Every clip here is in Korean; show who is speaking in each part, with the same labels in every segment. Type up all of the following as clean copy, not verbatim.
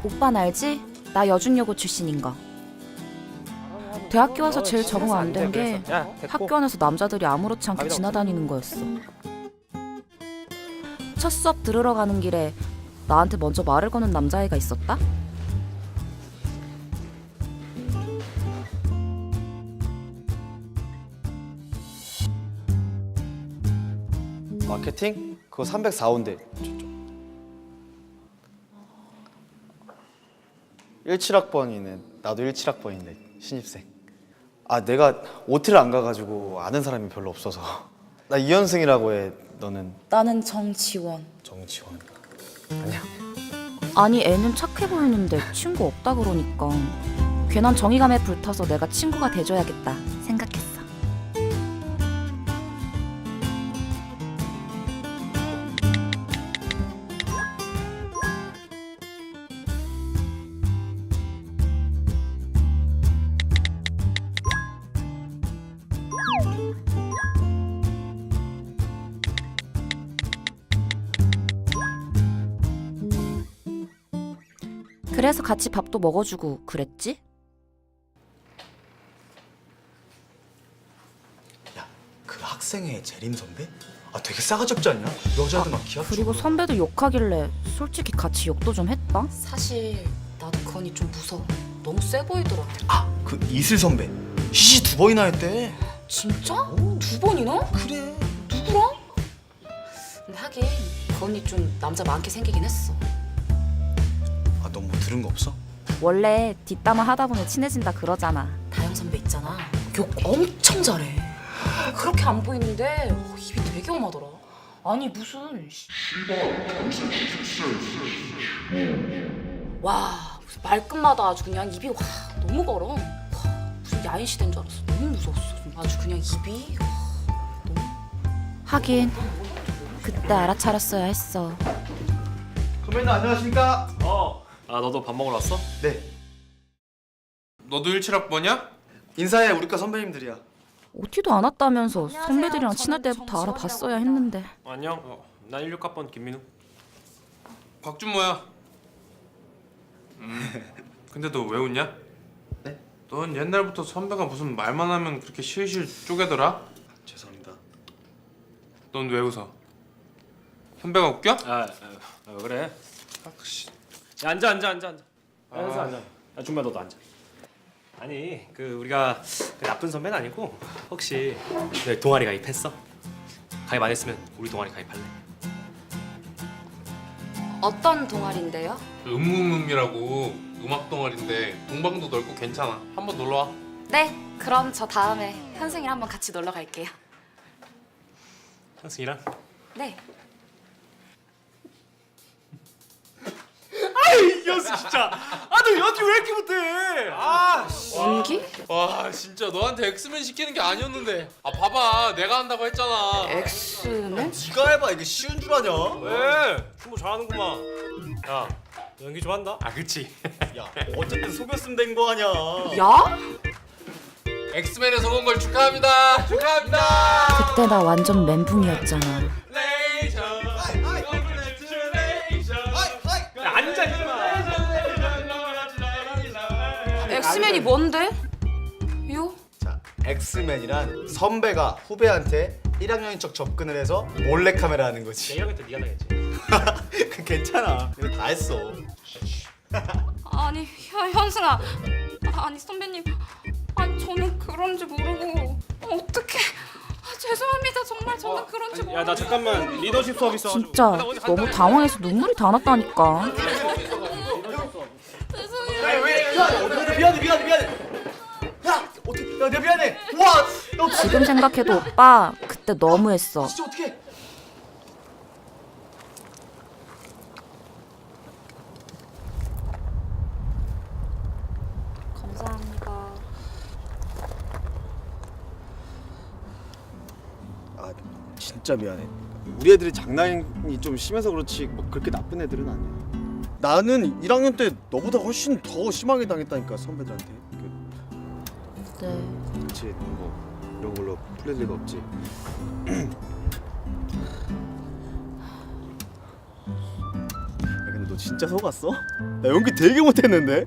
Speaker 1: 오빠는 알지? 나 여중여고 출신인 거. 대학교 와서 제일 적응 안 된 게 학교 안에서 남자들이 아무렇지 않게 지나다니는 거였어. 첫 수업 들으러 가는 길에 나한테 먼저 말을 거는 남자애가 있었다?
Speaker 2: 마케팅? 그거 304호인데 17학번이네. 나도 17학번인데 신입생. 아 내가 OT를 안 가가지고 아는 사람이 별로 없어서. 나 이현승이라고 해. 너는?
Speaker 1: 나는 정지원.
Speaker 2: 정지원. 아니야.
Speaker 1: 아니 애는 착해 보이는데 친구 없다 그러니까 괜한 정의감에 불타서 내가 친구가 돼줘야겠다 생각했어. 그래서 같이 밥도 먹어주고 그랬지?
Speaker 3: 야, 그 학생회 재림 선배? 아 되게 싸가지 없지 않냐? 여자들 막 기합
Speaker 1: 그리고
Speaker 3: 주고.
Speaker 1: 선배들 욕하길래 솔직히 같이 욕도 좀 했다?
Speaker 4: 사실 나도 건이 좀 무서워. 너무 세 보이더라.
Speaker 3: 아, 그 이슬 선배 시시 2번이나 했대.
Speaker 4: 진짜? 2번이나?
Speaker 3: 그래.
Speaker 4: 누구랑? 근데 하긴 건이 좀 남자 많게 생기긴 했어.
Speaker 3: 아, 너 뭐 들은 거 없어?
Speaker 1: 원래 뒷담화 하다 보면 친해진다 그러잖아.
Speaker 4: 다영 선배 있잖아. 욕 엄청 잘해. 그렇게 안 보이는데 입이 되게 험하더라. 아니 무슨 와 무슨 말끝마다 아주 그냥 입이 와 너무 걸어. 와, 무슨 야인 시대인 줄 알았어. 너무 무서웠어. 아주 그냥 입이
Speaker 1: 하긴 그때 알아차렸어야 했어.
Speaker 2: 선배님 안녕하십니까?
Speaker 5: 아 너도 밥 먹으러 왔어?
Speaker 2: 네.
Speaker 6: 너도 17학번이야?
Speaker 2: 인사해. 우리과 선배님들이야.
Speaker 1: OT도 안 왔다면서
Speaker 4: 안녕하세요.
Speaker 1: 선배들이랑 친할
Speaker 4: 저는
Speaker 1: 때부터
Speaker 4: 정지원이라고
Speaker 1: 알아봤어야
Speaker 4: 합니다.
Speaker 1: 했는데.
Speaker 5: 안녕. 난 16학번 김민우.
Speaker 6: 곽준모야. 근데 너 왜 웃냐?
Speaker 2: 네?
Speaker 6: 넌 옛날부터 선배가 무슨 말만 하면 그렇게 실실 쪼개더라?
Speaker 2: 죄송합니다.
Speaker 6: 넌 왜 웃어? 선배가 웃겨?
Speaker 5: 왜 그래? 야, 앉아. 현수 앉아. 야, 준마 너도 앉아. 아니 그 우리가 그 나쁜 선배는 아니고 혹시 너 동아리 가입했어? 가입 안 했으면 우리 동아리 가입할래?
Speaker 4: 어떤 동아리인데요?
Speaker 6: 음음음이라고 음악 동아리인데 동방도 넓고 괜찮아. 한번 놀러 와.
Speaker 4: 네, 그럼 저 다음에 현승이랑 한번 같이 놀러 갈게요.
Speaker 5: 현승이랑?
Speaker 4: 네.
Speaker 5: 현수 진짜. 너 연기 왜 이렇게 못해?
Speaker 4: 연기?
Speaker 6: 와 진짜 너한테 엑스맨 시키는 게 아니었는데. 아 봐봐 내가 한다고 했잖아.
Speaker 4: 엑스맨?
Speaker 3: 네가 해봐. 이게 쉬운 줄 아냐?
Speaker 5: 왜? 뭐 잘하는구만. 야, 너 연기 좋아한다? 아 그렇지.
Speaker 3: 야, 어쨌든 속였으면 된 거 아냐?
Speaker 4: 야?
Speaker 6: 엑스맨에 속은 걸 축하합니다. 축하합니다.
Speaker 1: 그때 나 완전 멘붕이었잖아.
Speaker 5: 야, 앉아 임마.
Speaker 4: 엑스맨이 뭔데? 요?
Speaker 3: 자, 엑스맨이란 선배가 후배한테 1학년인 척 접근을 해서 몰래카메라 하는 거지.
Speaker 5: 내가 그때 네가 나겠지.
Speaker 3: 그 괜찮아. 이거 다 했어.
Speaker 4: 아니 현승아, 아니 선배님, 아니 저는 그런지 모르고 어떡해. 죄송합니다. 정말 저는 그런지 모르고.
Speaker 5: 야, 나 잠깐만 리더십 수업 있어가지고.
Speaker 1: 진짜 너무 당황해서 눈물이 다 났다니까.
Speaker 4: 죄송해요.
Speaker 3: 미안해. 야, 어떻게? 야, 내가 미안해. 와, 너
Speaker 1: 지금 생각해도 오빠 그때 너무했어.
Speaker 3: 진짜 어떻게?
Speaker 4: 감사합니다.
Speaker 2: 아 진짜 미안해. 우리 애들이 장난이 좀 심해서 그렇지 뭐 그렇게 나쁜 애들은 아니야. 나는 1학년 때 너보다 훨씬 더 심하게 당했다니까 선배들한테.
Speaker 1: 네.
Speaker 2: 그렇지 뭐 이런 걸로 풀릴 리가 없지. 야, 근데 너 너 진짜 속았어? 나 연기 되게 못했는데?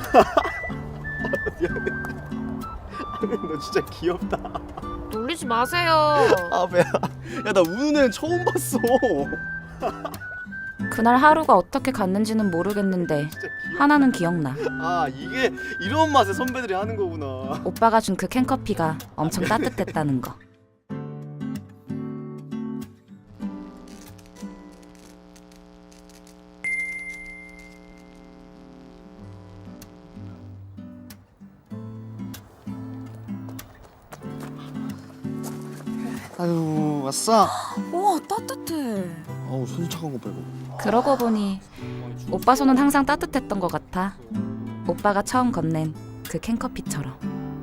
Speaker 2: 미안해. 너 진짜 귀엽다.
Speaker 4: 놀리지 마세요.
Speaker 2: 아 배야. 야 나 우는 애는 처음 봤어.
Speaker 1: 그날 하루가 어떻게 갔는지는 모르겠는데
Speaker 2: 진짜 귀엽.
Speaker 1: 하나는 기억나.
Speaker 2: 아 이게 이런 맛에 선배들이 하는 거구나.
Speaker 1: 오빠가 준 그 캔커피가 엄청 따뜻했다는 거.
Speaker 2: 아유 왔어.
Speaker 1: 우와 따뜻해.
Speaker 2: 아우 손 차가운 거 빼고.
Speaker 1: 그러고 보니 오빠 손은 항상 따뜻했던 것 같아. 오빠가 처음 건넨 그 캔커피처럼.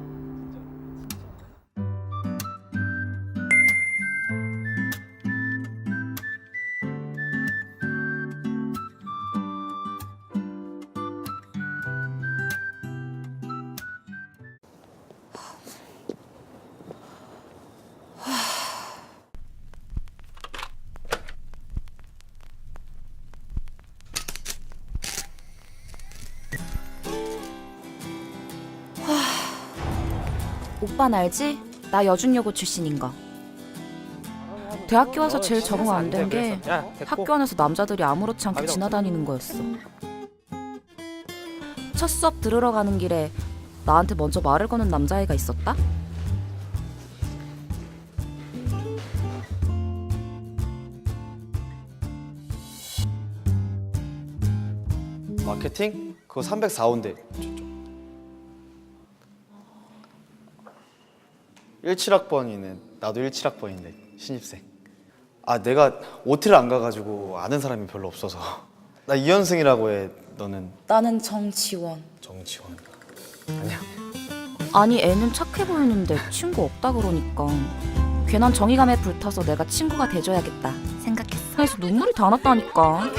Speaker 1: 오빠는 알지? 나 여중여고 출신인 거. 대학교 와서 제일 적응 안 된 게 학교 안에서 남자들이 아무렇지 않게 지나다니는 거였어. 첫 수업 들으러 가는 길에 나한테 먼저 말을 거는 남자애가 있었다?
Speaker 3: 마케팅? 그거 304호인데 저쪽 17학번이네. 나도 17학번인데 신입생. 아 내가 OT를 안 가가지고 아는 사람이 별로 없어서. 나 이현승이라고 해. 너는
Speaker 1: 나는 정지원.
Speaker 3: 정지원. 아니야.
Speaker 1: 아니 애는 착해 보이는데 친구 없다 그러니까 괜한 정의감에 불타서 내가 친구가 돼줘야겠다 생각했어. 그래서 눈물이 다 났다니까.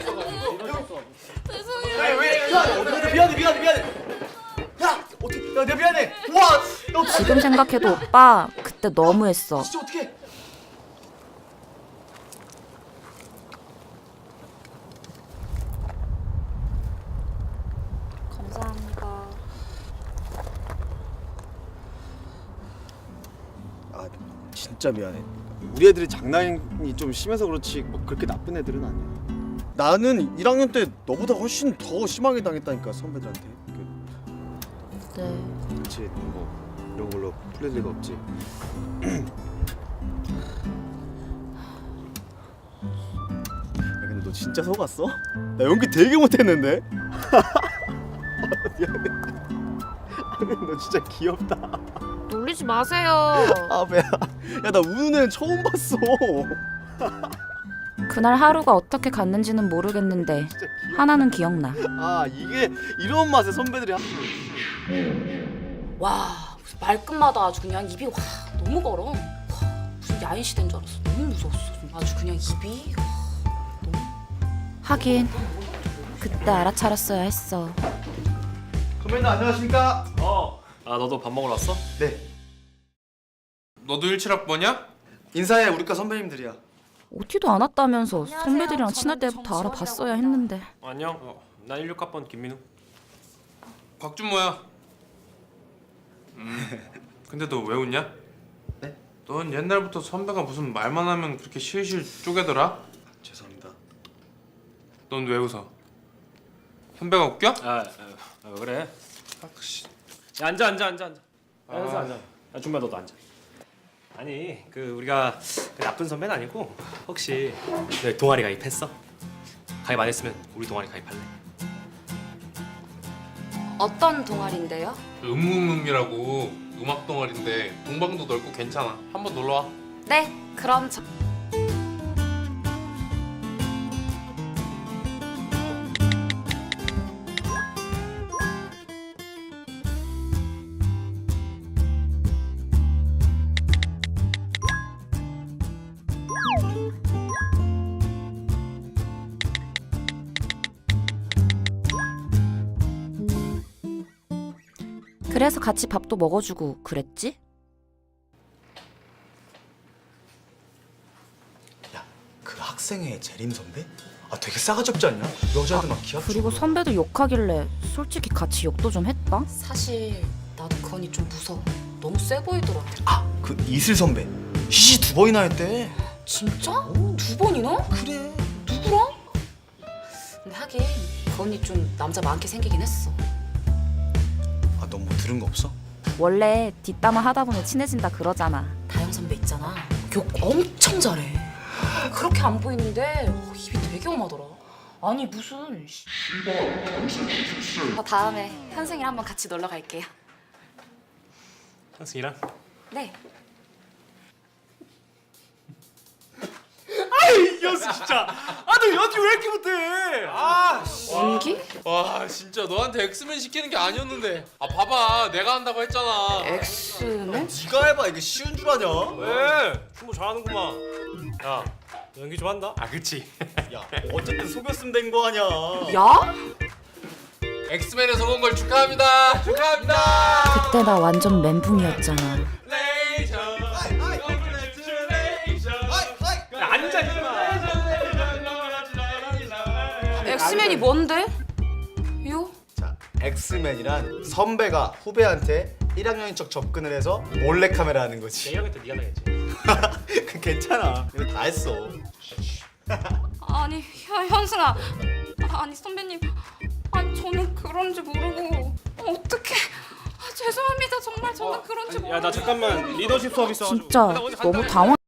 Speaker 3: 미안해. 야 어떻게? 야 내가 미안해. 와.
Speaker 1: 지금 생각해도 오빠 그때 너무했어.
Speaker 3: 진짜 어떻게?
Speaker 4: 감사합니다.
Speaker 2: 아 진짜 미안해. 우리 애들이 장난이 좀 심해서 그렇지 뭐 그렇게 나쁜 애들은 아니야. 나는 1학년 때 너보다 훨씬 더 심하게 당했다니까 선배들한테.
Speaker 1: 네.
Speaker 2: 그렇지 뭐 이런 걸로 풀릴 리가 없지. 야 근데 너 진짜 속았어? 나 연기 되게 못했는데? 미안해. 너 진짜 귀엽다.
Speaker 4: 놀리지 마세요.
Speaker 2: 아 배야. 야 나 우는 애는 처음 봤어.
Speaker 1: 그날 하루가 어떻게 갔는지는 모르겠는데
Speaker 2: 진짜 귀엽다.
Speaker 1: 하나는 기억나.
Speaker 2: 아 이게 이런 맛에 선배들이
Speaker 7: 와 무슨 말끝마다 아주 그냥 입이 와 너무 걸어. 와, 무슨 야인 시대인 줄 알았어. 너무 무서웠어. 아주 그냥 입이.
Speaker 1: 하긴 그때 알아차렸어야 했어.
Speaker 3: 선배님 안녕하십니까?
Speaker 5: 아 너도 밥 먹으러 왔어?
Speaker 3: 네.
Speaker 6: 너도 17학번이야?
Speaker 3: 인사해. 우리과 선배님들이야.
Speaker 1: OT도 안 왔다면서 선배들이랑 친할 때부터 알아봤어야 했는데.
Speaker 5: 안녕. 난 16학번 김민우.
Speaker 6: 박준모야. 근데 너 왜 웃냐?
Speaker 3: 네?
Speaker 6: 넌 옛날부터 선배가 무슨 말만 하면 그렇게 실실 쪼개더라?
Speaker 3: 죄송합니다.
Speaker 6: 넌 왜 웃어? 선배가 웃겨?
Speaker 5: 왜 그래? 야, 앉아. 야, 현수 앉아. 야, 준비야 너도 앉아. 아니 그 우리가 그 나쁜 선배는 아니고 혹시 너 동아리 가입했어? 가입 안 했으면 우리 동아리 가입할래?
Speaker 7: 어떤 동아리인데요?
Speaker 6: 음음음이라고 음악 동아리인데 동방도 넓고 괜찮아. 한번 놀러 와.
Speaker 7: 네, 그럼 저
Speaker 1: 그래서 같이 밥도 먹어주고 그랬지?
Speaker 3: 야, 그 학생회 재림 선배? 아 되게 싸가지 없지 않냐? 여자애들 막 기합
Speaker 1: 그리고 선배도 욕하길래 솔직히 같이 욕도 좀 했다.
Speaker 7: 사실 나도 그 언니 좀 무서워. 너무 세 보이더라.
Speaker 3: 그 이슬 선배 시시 2번이나 했대.
Speaker 7: 진짜? 2번이나?
Speaker 3: 그래.
Speaker 7: 누구랑? 근데 하긴 그 언니 좀 남자 많게 생기긴 했어.
Speaker 3: 아 너 뭐 들은 거 없어?
Speaker 1: 원래 뒷담화 하다 보면 친해진다 그러잖아.
Speaker 7: 다영 선배 있잖아. 욕 엄청 잘해. 그렇게 안 보이는데 입이 되게 험하더라. 아니 무슨 다음에 현승이랑 한번 같이 놀러 갈게요.
Speaker 5: 현승이랑?
Speaker 7: 네.
Speaker 5: 이 현승 진짜. 너 연기 왜 이렇게 못해?
Speaker 7: 연기?
Speaker 6: 와 진짜 너한테 엑스맨 시키는 게 아니었는데. 아 봐봐 내가 한다고 했잖아.
Speaker 7: 엑스맨?
Speaker 3: 네가 해봐 이게 쉬운 줄 아냐?
Speaker 5: 왜? 춤뭐 잘하는구만. 야, 너 연기 좀 한다? 아, 그치.
Speaker 3: 야 어쨌든 속였으면 된 거 아냐?
Speaker 7: 야?
Speaker 6: 엑스맨에 속은 걸 축하합니다. 축하합니다.
Speaker 1: 그때 나 완전 멘붕이었잖아.
Speaker 5: 야, 앉아, 임마.
Speaker 7: 엑스맨이 뭔데? 요?
Speaker 3: 자 엑스맨이란 선배가 후배한테 1학년인 척 접근을 해서 몰래카메라 하는 거지.
Speaker 5: 내가 그때 네가 당했지.
Speaker 3: 그 괜찮아. 이거 다 했어.
Speaker 4: 아니 현승아, 아니 선배님, 아니 저는 그런지 모르고 어떻게? 죄송합니다. 정말 저는 그런지 모르고.
Speaker 5: 야, 나 잠깐만 리더십 수업 있어가지고.
Speaker 1: 진짜
Speaker 5: 나 어디 간다
Speaker 1: 너무
Speaker 5: 그랬는데.
Speaker 1: 당황.